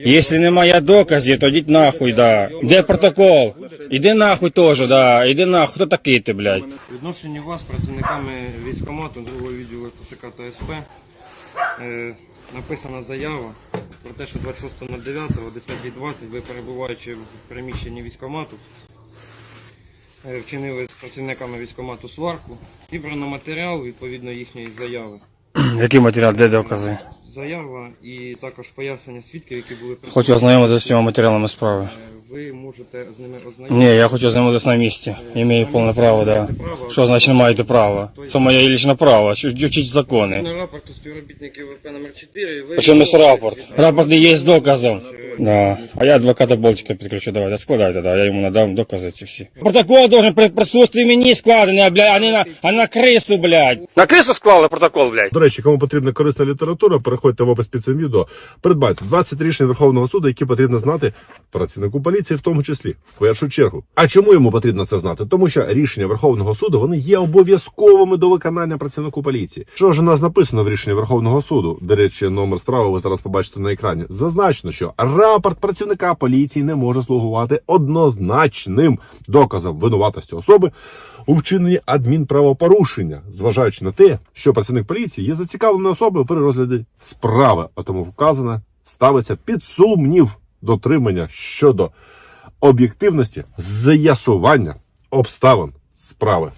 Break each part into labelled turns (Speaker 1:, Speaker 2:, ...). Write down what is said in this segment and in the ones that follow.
Speaker 1: Якщо немає доказів, то йдіть нахуй, да. Де протокол? Іди нахуй теж, да. Іди нахуй, хто такий ти, блядь?
Speaker 2: Відношенню вас, працівниками військкомату 2-го відділу ТЦК та СП, написана заява про те, що 26.09 о 10:20 ви, перебуваючи в приміщенні військкомату, вчинили з працівниками військкомату сварку. Зібрано матеріал відповідно їхньої заяви.
Speaker 1: Який матеріал, де докази?
Speaker 2: Заява і також пояснення свідків, які були присутні.
Speaker 1: Хочу ознайомитися з всіма матеріалами справи.
Speaker 2: Ви можете з ними ознайомитися.
Speaker 1: Ні, я хочу ознайомитися на місці. Імею повне право, да. Що значить не маєте права? Це моє лічне право, вчить закони.
Speaker 2: На рапорту співробітників ВП номер 4 ви...
Speaker 1: Причому є рапорт. Рапорт не є доказом. Да. А я адвоката Болтика підключу, давайте, складайте, да. Я йому надам докази ці всі. Протокол должен при присутствии мені складений, блядь, а на крису, блядь. На крису склали протокол, блядь.
Speaker 3: До речі, кому потрібна корисна література, переходьте в опис під цим відео. Придбайте 20 рішень Верховного суду, які потрібно знати працівнику поліції, в тому числі, в першу чергу. А чому йому потрібно це знати? Тому що рішення Верховного суду, вони є обов'язковими до виконання працівнику поліції. Що ж у нас написано в рішенні Верховного суду? До речі, номер справи ви зараз побачите на екрані. Зазначено, що рапорт працівника поліції не може слугувати однозначним доказом винуватості особи у вчиненні адмінправопорушення, зважаючи на те, що працівник поліції є зацікавленою особою при розгляді справи, а тому вказане ставиться під сумнів дотримання щодо об'єктивності з'ясування обставин справи.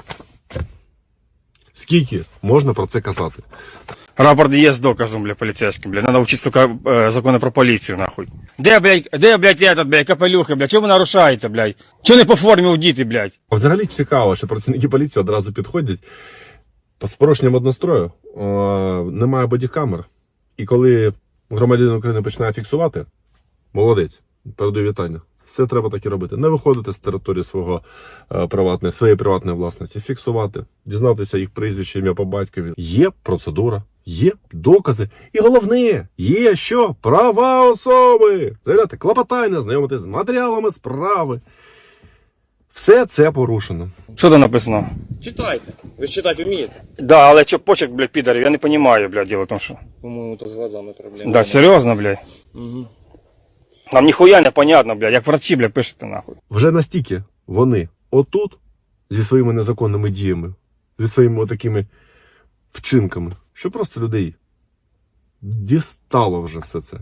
Speaker 3: Скільки можна про це казати?
Speaker 1: Рапорт є з доказом, бля, поліцейським, бля. Надо вчити, сука, закони про поліцію, нахуй. Де, блядь, этот, блядь, капелюхи, блядь, чого ви нарушаєте, блядь? Чого не по формі вдіти, блядь?
Speaker 3: Взагалі цікаво, що працівники поліції одразу підходять з порушенням однострою, немає бодікамер. І коли громадянин України починає фіксувати, молодець, передаю вітання. Все треба так і робити. Не виходити з території своєї приватної власності, фіксувати, дізнатися їх прізвище, ім'я по батькові. Є процедура, є докази. І головне, є що? Права особи. Заявляти клопотання, знайомитись з матеріалами справи. Все це порушено.
Speaker 1: Що там написано?
Speaker 2: Читайте. Ви ж читати вмієте?
Speaker 1: Да, але чо почерк, блядь, підарів, я не розумію, блядь, діло в тому, що.
Speaker 2: По-моєму, то з глазами проблема.
Speaker 1: Да, серйозно, блядь.
Speaker 2: Угу.
Speaker 1: Нам ніхуя не понятно, блядь, як врачі, блядь, пишете, нахуй.
Speaker 3: Вже настільки вони отут зі своїми незаконними діями, зі своїми такими вчинками, що просто людей дістало вже все це.